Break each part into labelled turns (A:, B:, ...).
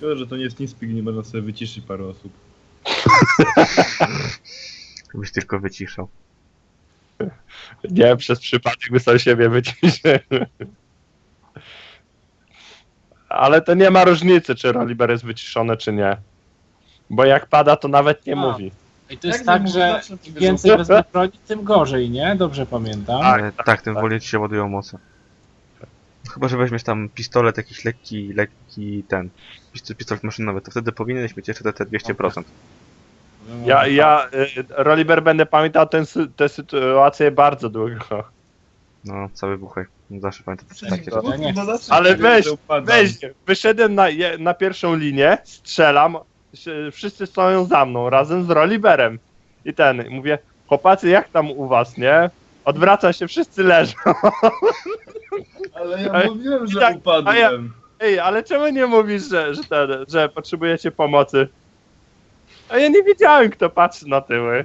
A: Szkoda, że to nie jest TeamSpeak, nie można sobie wyciszyć paru osób.
B: Byś tylko wyciszał.
C: Nie, przez przypadek by sam siebie wyciszył. Ale to nie ma różnicy, czy Roliber jest wyciszony, czy nie. Bo jak pada, to nawet nie mówi.
D: I to jest
A: Jak
D: tak,
A: nie
D: że
A: można,
D: im więcej wezmę broni, tym gorzej, nie? Dobrze pamiętam.
B: Tak, tym wolniej ci się ładują moce. Chyba, że weźmiesz tam pistolet, jakiś lekki ten. Pistolet maszynowy, to wtedy powinieneś mieć jeszcze te 200%.
C: Roliber, będę pamiętał tę sytuację bardzo długo.
B: No, cały buchaj. Zawsze pamiętam takie
A: Takie
B: rzeczy.
D: Ja nie chcę.
C: Ale weź, wyszedłem na pierwszą linię, strzelam, wszyscy stoją za mną, razem z Roliberem. I mówię, chłopacy, jak tam u was, nie? Odwraca się, wszyscy leżą.
A: Ale ja
C: Ale-
A: mówiłem, że
C: tak,
A: upadłem.
C: Ej, ale czemu nie mówisz, że potrzebujecie pomocy? A ja nie wiedziałem, kto patrzy na tyły.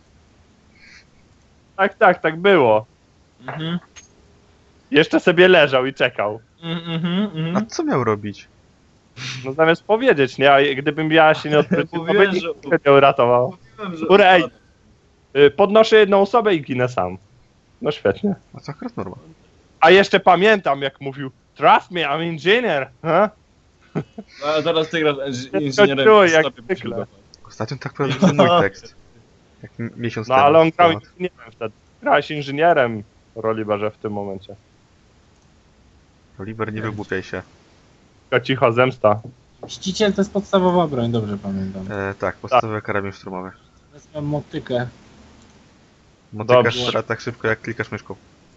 C: Tak było.
D: Mhm.
C: Jeszcze sobie leżał i czekał.
B: A co miał robić?
C: No zamiast powiedzieć, nie? A gdybym ja się nie odwrócił, to by
A: Mówiłem,
C: nikt
A: że-
C: mnie nie uratował.
A: Mówiłem, że
C: Ura, ej.
A: upadłem.
C: Podnoszę jedną osobę i ginę sam. No świetnie.
B: A co akurat norma.
C: A jeszcze pamiętam, jak mówił Trust me, I'm engineer. Huh?
A: No, a teraz ty grasz
C: czuję,
A: inżynierem.
C: jak
A: sobie
C: zwykle.
A: musimy
B: Ostatnio tak powiedział mój tekst. Jak miesiąc
C: No
B: temu.
C: ale on grał
B: temat.
C: inżynierem wtedy. Grałeś inżynierem, Roliberze, w tym momencie.
B: Oliver, nie wygłupiaj się.
C: Tylko cicho, zemsta.
D: Mściciel to jest podstawowa broń, dobrze pamiętam.
B: Tak, podstawowe karabin szturmowy.
D: Wezmę motykę.
B: Motyka
C: Dobrze.
B: strzela tak szybko, jak klikasz myszką.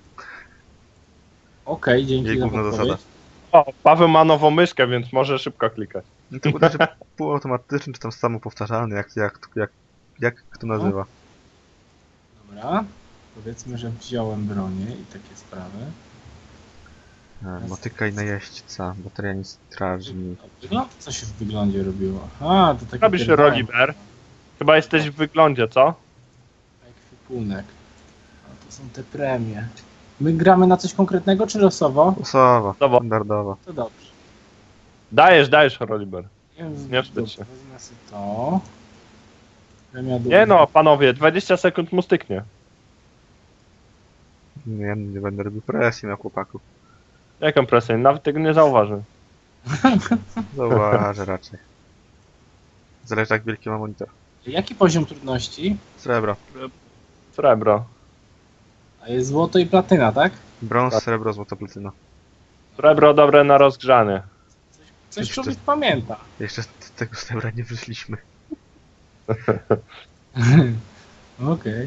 D: Okej, dzięki
B: Jej
D: za
B: główna
D: podpowiedź.
B: zasada.
C: O, Paweł ma nową myszkę, więc może szybko klikać.
B: No to uderzy półautomatyczny, czy tam samopowtarzalny, jak kto nazywa.
D: Dobra. Powiedzmy, że wziąłem bronię i takie sprawy.
B: Motyka i najeźdźca, bateria nic strażnik.
D: Wygląd? Co się w wyglądzie robiło? Aha, to taki
C: Robisz
D: pierdolę.
C: Roliber? Chyba jesteś w wyglądzie, co?
D: Ekwipunek. A to są te premie. My gramy na coś konkretnego, czy losowo?
B: Losowa,
C: Dobra.
B: standardowa.
D: To dobrze.
C: Dajesz, Roliber.
D: Nie,
C: Nie wstydź się.
D: Wezmę sobie to. Premia
C: Nie no, panowie, 20 sekund mu styknie.
B: Nie będę robił presji na chłopaków.
C: Jaką presję? Nawet tego nie zauważy.
B: Zauważę raczej. Zależy jak wielki ma monitor.
D: Jaki poziom trudności?
B: Srebro.
C: Srebro.
D: A jest złoto i platyna, tak?
B: Brąz,
C: Tak.
B: srebro, złoto, platyna.
C: Srebro dobre na rozgrzanie.
D: Coś
B: Jeszcze-
D: człowiek pamięta.
B: Jeszcze z tego srebra nie wyszliśmy.
D: Okej.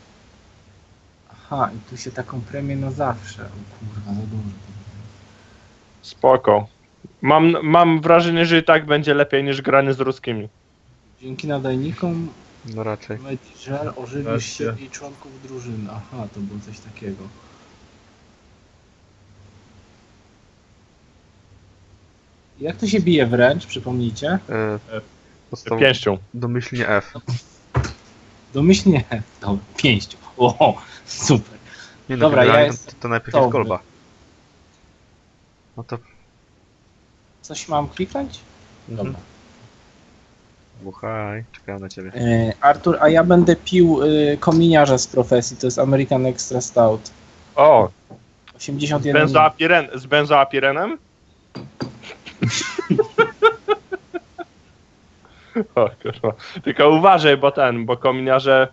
D: Aha, i tu się taką premię na zawsze. O kurwa, za dużo.
C: Spoko. Mam wrażenie, że i tak będzie lepiej niż granie z ruskimi.
D: Dzięki nadajnikom
B: No raczej.
D: Medżel ożywisz
A: Wreszcie.
D: siebie i członków drużyny. Aha, to było coś takiego. Jak to się bije wręcz, przypomnijcie?
C: Pięścią.
B: Domyślnie F.
D: Domyślnie. Dobra, pięścią. O, super.
B: Nie no,
D: Dobra, ja
B: generalnie
D: jestem
B: to najpierw
D: dobry.
B: jest kolba. No to...
D: Coś mam kliknąć?
B: Mhm.
D: Dobra.
B: Buchaj, czekałem na ciebie.
D: Artur, a ja będę pił kominiarza z profesji, to jest American Extra Stout.
C: O,
D: 81.
C: z benzoapirenem? O kurwa. Tylko uważaj, bo kominiarze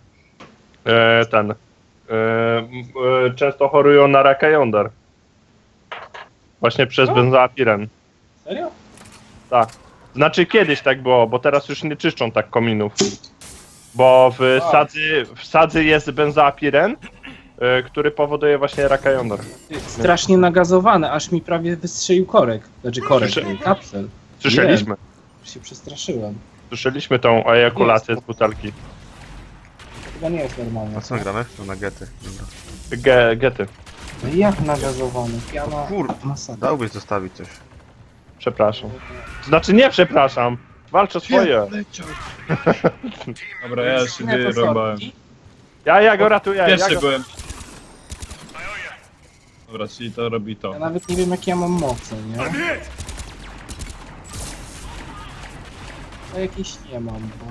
C: często chorują na raka jąder. Właśnie przez
D: Co?
C: benzoapiren.
D: Serio?
C: Tak. Znaczy kiedyś tak było, bo teraz już nie czyszczą tak kominów. Bo w sadzy jest benzoapiren, który powoduje właśnie raka jąder.
D: Strasznie nagazowane, aż mi prawie wystrzelił korek. Znaczy korek, kapsel.
C: Słyszeliśmy.
D: Już się przestraszyłem.
C: Słyszeliśmy tą ejakulację z butelki.
D: To chyba nie jest normalne.
B: A co my gramy? No na gety. Dobra.
C: Gety.
D: No i jak nagazowany? Piana
B: Kur-
D: masakra.
B: Dałbyś zostawić coś.
C: Przepraszam. Znaczy nie przepraszam. Walcz o swoje.
A: Dobra, ja się
D: Nie, to
A: wyrąbałem.
D: sorki.
C: Ja go ratuję.
A: Pierwszy byłem. Dobra, czyli to robi to.
D: Ja nawet nie wiem jakie ja mam moce, nie? To jakiejś nie mam, bo...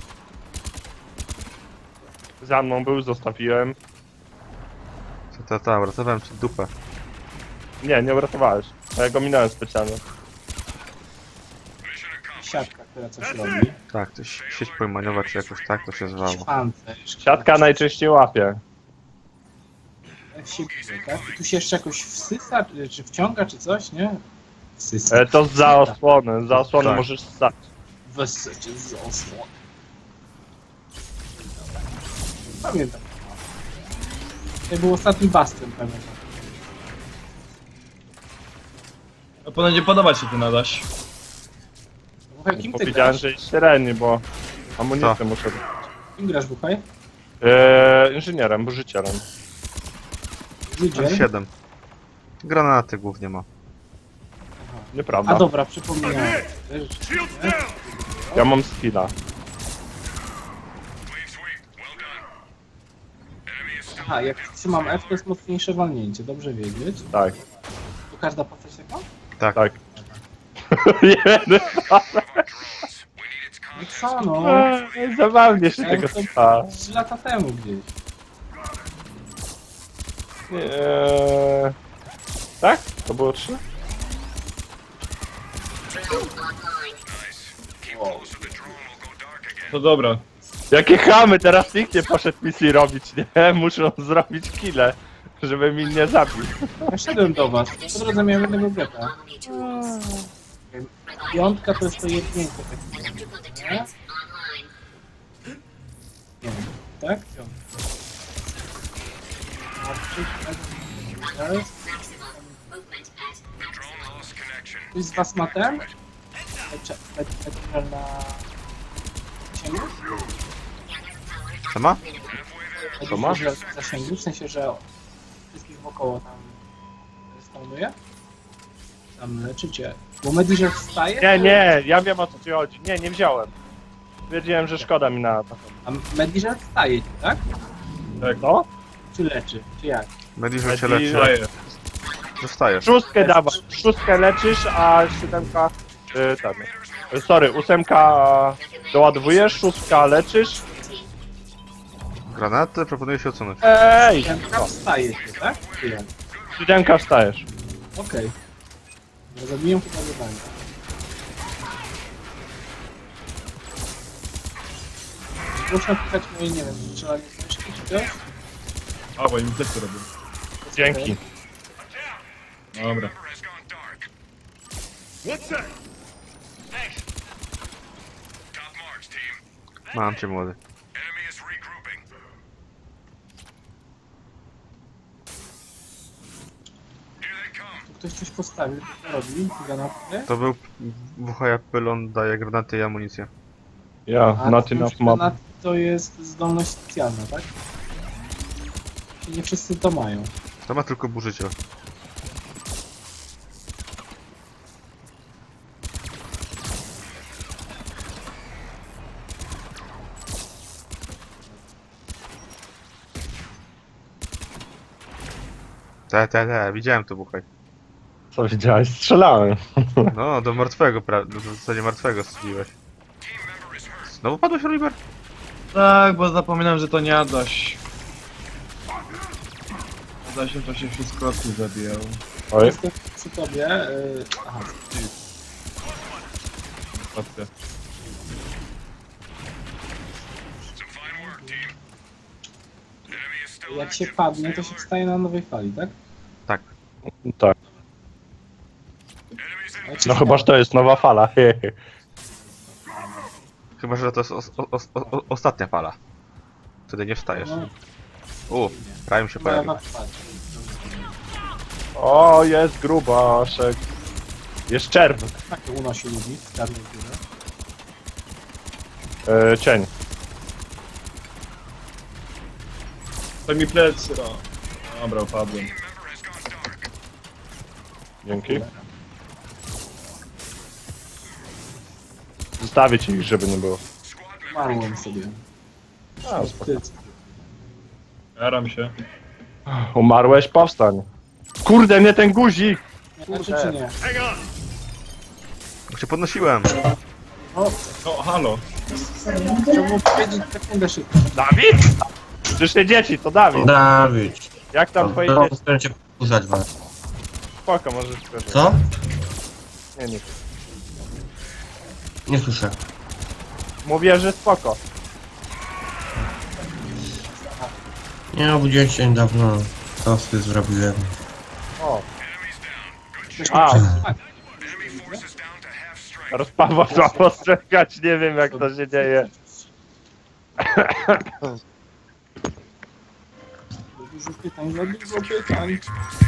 C: Za mną był, zostawiłem.
B: Ta, uratowałem ci dupę.
C: Nie uratowałeś. A ja go minąłem specjalnie.
D: Siatka, która coś robi.
B: Tak, to sieć pojmaniowa czy jakoś tak to się zwało.
D: Pancerz.
C: Siatka najczęściej łapie.
D: Jak się bije, tak? I tu się jeszcze jakoś wsysa, czy wciąga, czy coś, nie? Wsysa.
C: To za osłony. Za osłony
B: Tak.
C: możesz stać.
D: Wyssycie z osłon. Pamiętam. To był ostatni bastion, pamiętam.
A: No powinno nie podobać się ty nadaś.
D: Buchaj, kim ty
C: Powiedziałem,
D: grasz?
C: że jest średni, bo amunicję
B: Co?
C: muszę.
D: Kim grasz, Buchaj?
C: Inżynierem, burzycielem.
D: Ludzie?
B: 7. Granaty głównie ma.
C: Nieprawda.
D: A dobra, przypomniałem.
C: Ja mam skilla.
D: Aha, jak trzymam F, to jest mocniejsze walnięcie, dobrze wiedzieć.
C: Tak.
D: Tu każda postać taka?
B: Tak.
C: Tak.
D: No co no?
C: Zabawnie się
D: Ja
C: tego
D: to
C: słucha.
D: 3 lata temu gdzieś.
C: Tak? To było 3?
A: To dobra.
C: Jakie chamy, teraz nikt nie poszedł misji robić, nie? Muszą zrobić kile, żeby mi nie zabił.
D: Ja szedłem do was, po drodze miałem jednego geta. Piątka to jest to jednięcie takie, nie? Nie wiem, tak? Piątka. Ktoś z was ma ten? Medical na... zasięgu?
B: Co ma?
C: Co ma?
D: Medical na zasięgu, w sensie, że wszystkich wokoło tam spawnuje? Tam leczycie. Bo Medical wstaje?
C: Nie, ja wiem o co ci chodzi. Nie wziąłem. Wiedziałem, że szkoda mi na taką.
D: A Medical wstaje, tak?
C: No?
D: Czy leczy? Czy jak?
B: Mediżer się
C: Mediżer.
B: leczy.
A: Daję.
B: Dostajesz.
C: Szóstkę dawa. Szóstkę leczysz, a siódemka... Sorry, ósemka doładowujesz, szóstka leczysz.
B: Granaty proponuję się odsunąć.
C: Ej!
D: Piątka wstaje się, tak? Czy jak?
C: Siódemka wstajesz.
D: Okej. Okay. Zabiję chyba zadanie. Proszę napisać moje, nie wiem, strzelanie z myszki czy coś?
A: A, bo im też to robię.
C: Dzięki.
A: Dobra.
B: Mam cię młody.
D: Tu ktoś coś postawił, co robi? Granaty?
B: To był WHJ pylon, daje granaty i amunicję.
C: Ja,
D: A
C: not
D: to
C: enough
D: już
C: mob.
D: granaty to jest zdolność specjalna, tak? Czyli nie wszyscy to mają.
B: To ma tylko burzyciel. Widziałem to buchaj.
C: Co widziałeś? Strzelałem.
B: No, do martwego, w zasadzie martwego strzeliłeś. Znowu padłeś, Oliver?
A: Tak, bo zapominam, że to nie Adaś. Adasiem to się wszystko tu zabijał.
C: Oj.
D: Jestem przy tobie. Aha,
A: Patrzcie.
D: jak się padnie, to się wstaje na nowej fali, tak?
B: Tak.
C: Tak.
D: A jak się
C: No chyba, że to jest nowa fala.
B: Chyba, że to jest ostatnia fala. Wtedy nie wstajesz.
D: No,
B: Prime się
D: chyba ja
B: pojawił.
D: na wpadł.
C: O, jest grubaszek. Jest czerw.
D: Takie unosi ludzi w czarnej górze.
C: Cień.
A: To mi plecy, no. Dobra, upadłem.
C: Dzięki. Zostawię ci ich, żeby nie było.
D: Umarłem sobie.
C: A,
D: Ty,
A: Jaram się.
C: umarłeś? Powstań. Kurde, nie ten guzik!
D: znaczy czy nie?
B: Bo cię podnosiłem.
D: O,
A: O, halo.
D: chciałbym powiedzieć sekundę szybko.
C: Dawid? Przecież nie dzieci, to Dawid.
E: Dawid.
C: Jak tam twoje
E: No,
C: dzieci?
E: postaram się pokuszać was.
C: Spoko, możesz powiedzieć.
E: Co?
C: Nie, nie.
E: Nie słyszę.
C: Mówię, że spoko.
E: Nie obudziłem się niedawno. Tosty zrobiłem.
C: O,
D: Ktoś
C: A.
D: mnie przesłucha.
C: rozpawa trzeba postrzegać, nie wiem jak to się dzieje.
D: Za dużo pytań, za dużo pytań.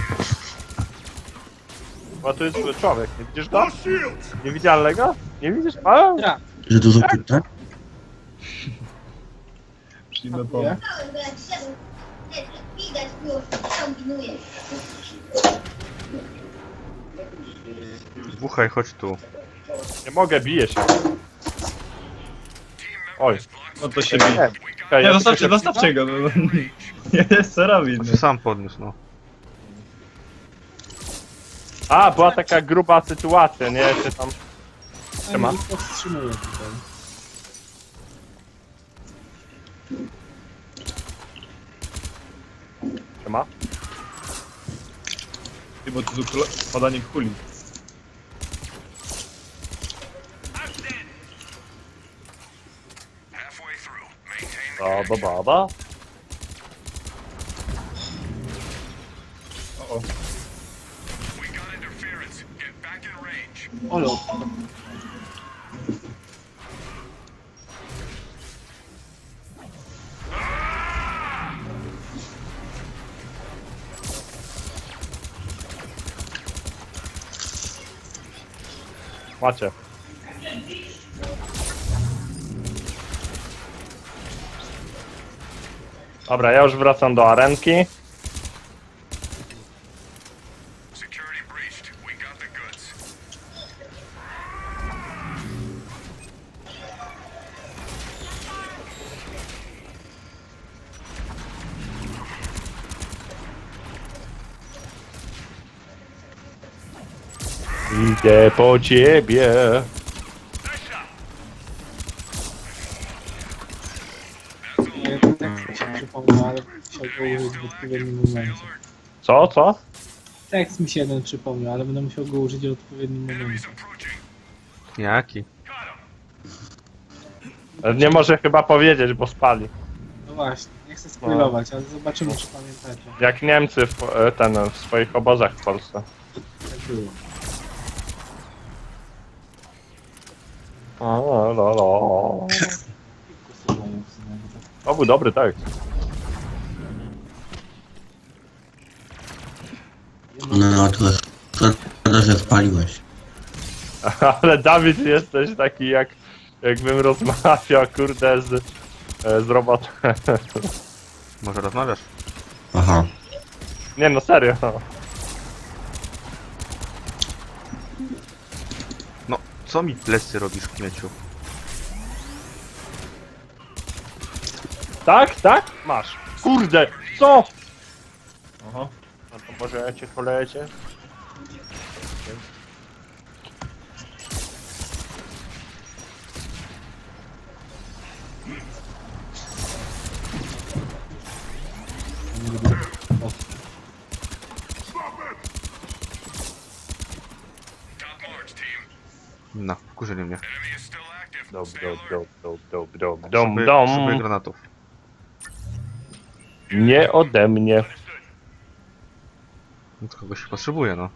C: Bo tu jest człowiek, nie widzisz go? Niewidzialnego? Nie widzisz? A,
D: Dobra,
E: Że dużo pytań?
A: Przyjmę
D: nie?
A: pomysł.
F: Widać było, że kombinuje.
B: Dmuchaj, chodź tu.
C: nie mogę, biję się. Oj.
A: No to się bije.
C: Czekaj,
A: Nie,
C: ja
A: zostawcie,
C: tylko się-
A: zostawcie go. Nie jest co robić.
B: To się sam podniósł, no.
C: A, była taka gruba sytuacja, nie? Czy tam... Siema.
D: Ja ich powstrzymuję tutaj.
C: Siema.
A: Ty, bo tu padanie kuli.
C: Baba, baba.
A: O, o.
D: Olo,
C: Macie. Dobra, ja już wracam do arenki. Idę po ciebie.
D: ja ten tekst mi się przypomniał, ale musiał go użyć w odpowiednim momencie.
C: Co?
D: Tekst mi się jeden przypomniał, ale będę musiał go użyć w odpowiednim momencie.
B: Jaki?
C: Nie może chyba powiedzieć, bo spali.
D: No właśnie, nie chcę spoilować, ale zobaczymy, czy pamiętacie.
C: Jak Niemcy w swoich obozach w Polsce.
D: Tak było.
C: O, lo, lo. To był dobry tekst.
E: No to szkoda, że spaliłeś.
C: Ale Dawid jesteś taki jakbym rozmawiał kurde z robotem.
B: Może rozmawiasz?
E: Aha.
C: Nie no serio.
B: No, co mi plecy robisz, kmieciu?
C: Tak? Masz. Kurde, co?
A: Aha.
C: No to może ja cię polecie?
B: No, wkurzyli mnie.
C: Dom, dom,
B: Potrzebuję granatów.
C: Nie ode mnie.
B: No to kogoś potrzebuję, no.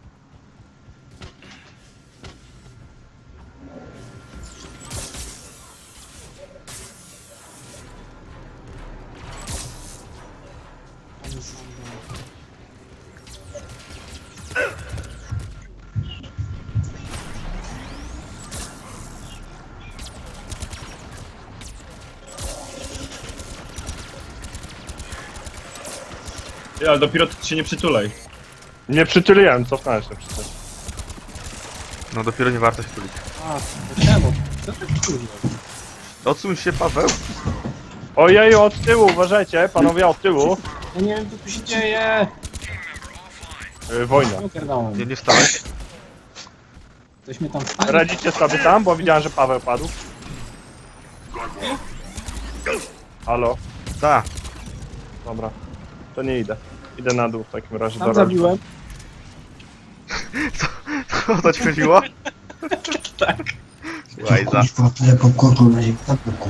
A: Ja, ale dopiero się nie przytulaj.
C: Nie przytuliłem, cofnąłem się przecież.
B: No dopiero nie warto się tulić.
D: A, to czemu? Co tak kurwa?
B: Odsuń się, Paweł!
C: Ojeju, od tyłu, uważajcie, panowie od tyłu.
D: Ja nie wiem, co tu się dzieje!
C: Wojna.
D: Ogarnąłem.
B: Nie stałeś?
D: Ktoś mnie tam wstanie.
C: Radzicie sobie tam, bo widziałem, że Paweł padł. Halo?
B: Da!
C: Dobra. To nie idę. Idę na dół w takim razie.
D: Tam
C: do
D: zabiłem.
B: O to ci chodziło?
D: Tak.
B: Łajza.
E: Kuźwa, tyle popcornu na ziemi.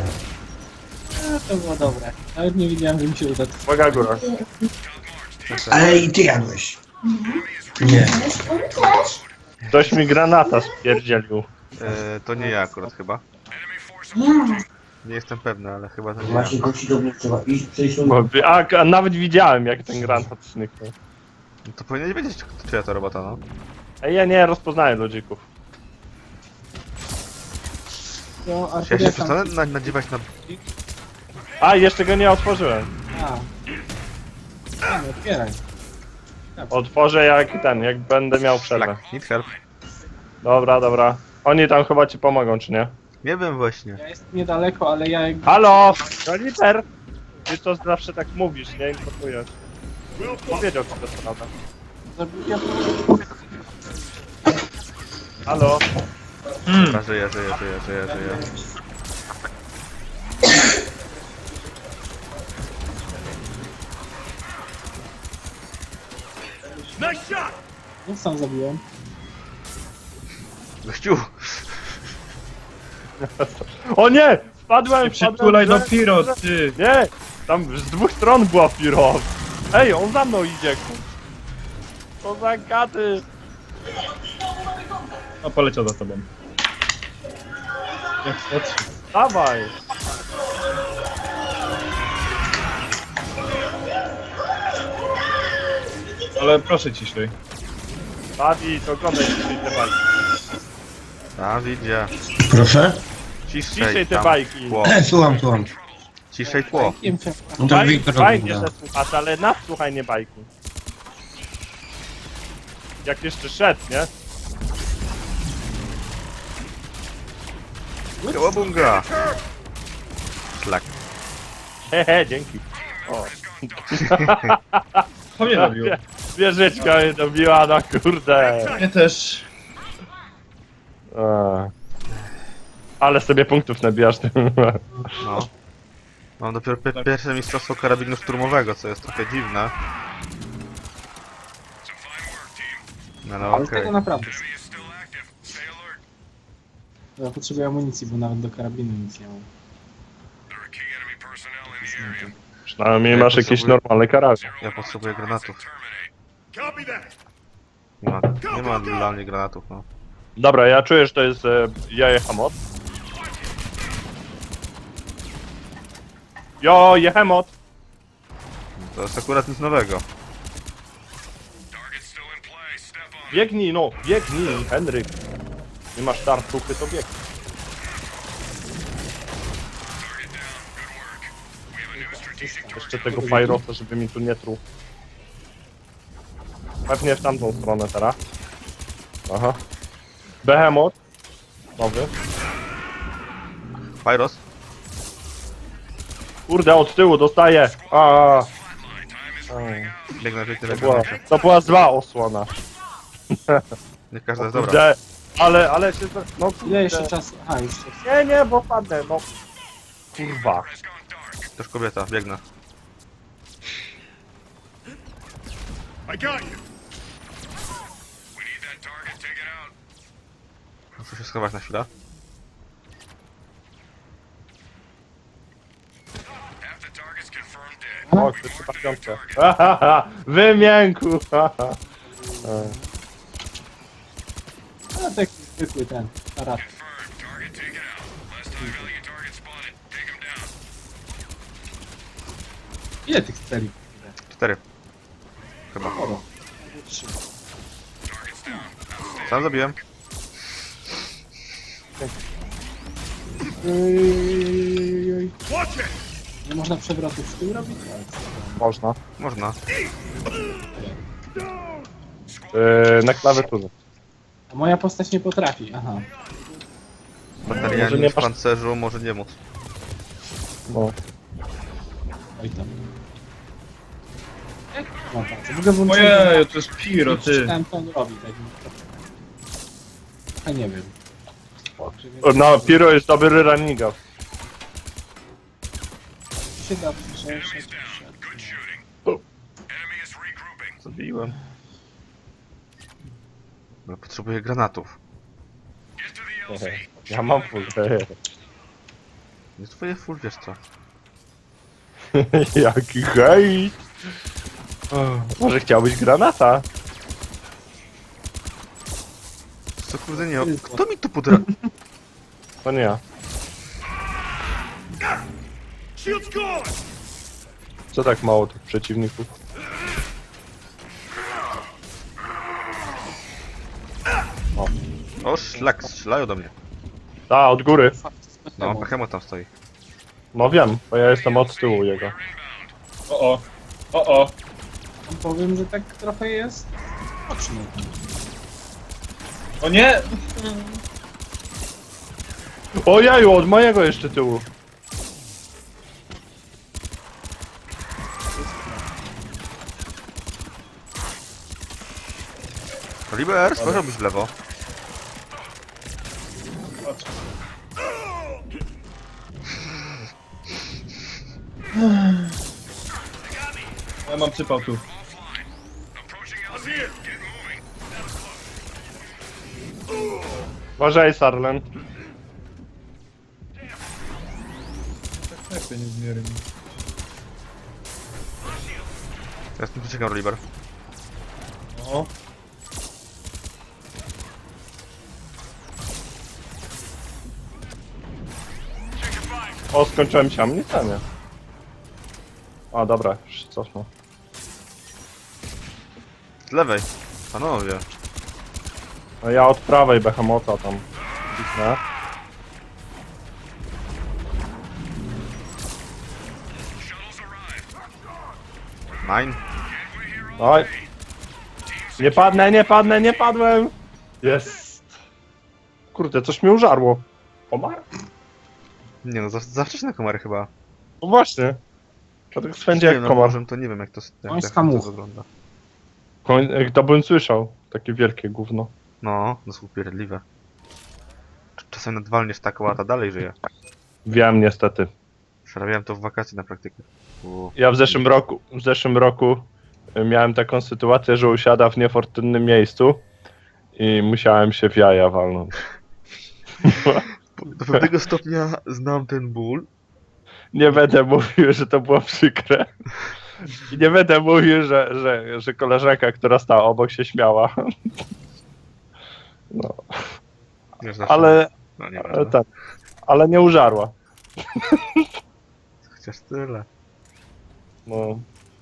D: To było dobre. Nawet nie wiedziałem, że mi się uda.
C: Uwaga, góra.
E: Ale i ty jadłeś. Nie.
C: Ktoś mi granata spierdzielił.
B: To nie ja akurat chyba. Nie jestem pewny, ale chyba to nie ja.
E: Właśnie gości do mnie trzeba iść, przejść
C: A nawet widziałem, jak ten granat zniknął.
B: No to powinien wiedzieć, czyja to robota, no.
C: Ej, ja nie rozpoznaję ludzików.
D: To
B: Czy ja
D: Artur,
B: się
D: jak tam...
B: przestanę nadziewać na...
C: A, jeszcze go nie otworzyłem.
D: A. Nie otwieraj.
C: Otworzę jak będę miał przerwę.
B: Szlak, need help.
C: Dobra, dobra. Oni tam chyba ci pomogą, czy nie?
B: Nie wiem właśnie.
D: Ja jestem niedaleko, ale ja jakby...
C: Halo! Kaliper! Ty to zawsze tak mówisz, nie informujesz. Powiedział ci to sprawę.
D: Zabiłem...
C: Halo?
B: Dobra, żyję.
D: No sam zabiłem.
A: Gościu,
C: O nie! Wpadłem!
A: przytulaj do
C: że-
A: Piro, ty!
C: Nie! Tam z dwóch stron była Piro. Ej, on za mną idzie, co za gaty!
A: A poleciał za tobą. Jak chodź.
C: Dawaj!
A: Ale proszę ciszej.
C: Dawid, oglądaj dzisiaj te bajki.
B: Dawidzie.
E: Proszę?
C: Ciszej te
B: tam.
C: bajki.
B: Tło.
E: Słucham.
B: Ciszej tło.
D: Wiem cię.
E: No to Wiktor
C: Fajnie,
E: ogląda.
C: że słuchasz, ale nas słuchaj, nie bajki. Jak jeszcze szedł, nie?
B: Kołabunga! Szlak.
C: Hehe, dzięki. O.
A: To mnie robił.
C: Wieżyczka mnie dobiła, no kurde.
A: Mnie też.
C: Ale sobie punktów nabijasz tym.
B: No. Mam dopiero pierwsze mistrzostwo karabinu szturmowego, co jest trochę dziwne. No, no
D: Ale
B: okej.
D: tego naprawdę. Ja potrzebuję amunicji, bo nawet do karabinu nic nie mam.
C: Przynajmniej masz jakiś normalny karabin.
B: Ja potrzebuję granatów. Nie ma dla mnie granatów, no.
C: Dobra, ja czuję, że to jest jaje hamot. Jo, jehemot!
B: To jest akurat nic nowego.
C: Biegnij, no, biegnij, Henryk. Nie masz tartuchy, to biegnij. Jeszcze tego Pyrosa, żeby mi tu nie truł. Pewnie w tamtą stronę teraz. Aha. Behemoth. Nowy.
B: Pyros?
C: Kurde, od tyłu dostaję.
B: Biegnę, biegnę,
C: To była zła osłona.
B: Nie każda jest dobra.
C: Kurde, ale się... No kurde.
D: Ile jeszcze czasu? Aha, już czas.
C: Nie, bo padnę, no. Kurwa.
B: Też kobieta, biegnę. Muszę się schować na chwilę.
C: O, to chyba piątkę. Wymięku!
D: No taki zwykły ten, aparat. Ile tych celi?
B: 4. Chyba.
D: Sporo. 3.
B: Sam zabiłem.
D: Nie można przewrotów w tył robić?
C: Można.
B: Można.
C: Na klawiaturze.
D: A moja postać nie potrafi, aha.
C: Może nie
B: Batalianin w
C: masz-
B: pancerzu może nie móc.
C: No.
D: Oj tam. Jak mam palce? W ogóle włączyłem...
A: Ojej, to jest Piro, ty.
D: Czytałem, co on robi, tak. A nie wiem.
C: No, Piro jest dobry running up.
D: Się da przeszedł.
B: Zabiłem. No, potrzebuję granatów.
C: Ja mam full.
B: Jest twoje full, wiesz co?
C: Jaki hejt! Może chciałbyś granata?
B: Co kurde nie... Kto mi tu podra...
C: To nie ja. Co tak mało tych przeciwników?
B: O, szlak, strzelają do mnie.
C: A, od góry.
B: No, Behemoth tam stoi.
C: No wiem, bo ja jestem od tyłu jego.
A: O. O.
D: Powiem, że tak trochę jest. Oczny.
A: O nie!
C: Ojeju, od mojego jeszcze tyłu.
B: Oliver, spojrzałbyś w lewo.
A: Patrz. Ja mam przypał tu.
C: Uważaj, Sarlen.
A: Tak to nie zmiery.
B: Ja z tym poczekam, Oliver.
A: O.
C: O, skończyłem się amunicję. A, dobra, już się cofnę.
B: Z lewej. Panowie.
C: No ja od prawej Behemota tam kliknę.
B: Mine.
C: Oj. Nie padłem! Jest. Kurde, coś mnie użarło. Komar?
B: Nie no, za wcześnie komary chyba.
C: No właśnie. Dlatego swędzi
B: Nie
C: jak
B: no,
C: komar.
B: może to nie wiem jak to,
D: Końska
B: to
D: mucha.
B: wygląda.
C: To bym słyszał. Takie wielkie gówno.
B: No, to są upierdliwe. Czasem nadwalniesz taką, a ta dalej żyje.
C: Wiem niestety.
B: Przerabiałem to w wakacje na praktykę.
C: Ja w zeszłym roku miałem taką sytuację, że usiada w niefortunnym miejscu i musiałem się w jaja walnąć.
B: Do pewnego stopnia znam ten ból.
C: Nie będę mówił, że to było przykre. I nie będę mówił, że koleżanka, która stała obok, się śmiała. No,
B: Nie, zawsze-
C: ale,
B: No nie
C: ale,
B: wiem.
C: tak, ale nie użarła.
B: Chociaż tyle.
C: No,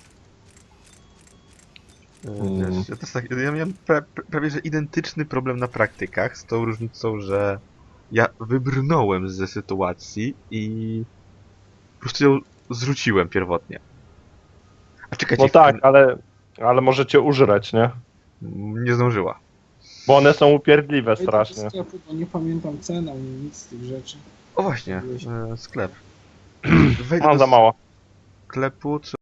B: Wiesz, ja, też tak, ja miałem prawie że identyczny problem na praktykach, z tą różnicą, że ja wybrnąłem ze sytuacji i po prostu ją zrzuciłem pierwotnie. A czekajcie,
C: no tak, ale możecie użreć, nie?
B: nie zdążyła.
C: Bo one są upierdliwe
D: Wejdę do
C: strasznie.
D: sklepu, bo nie pamiętam cen ani nic z tych rzeczy.
B: O właśnie, sklep. Wejdę
C: Mam
B: do
C: za mało.
B: sklepu,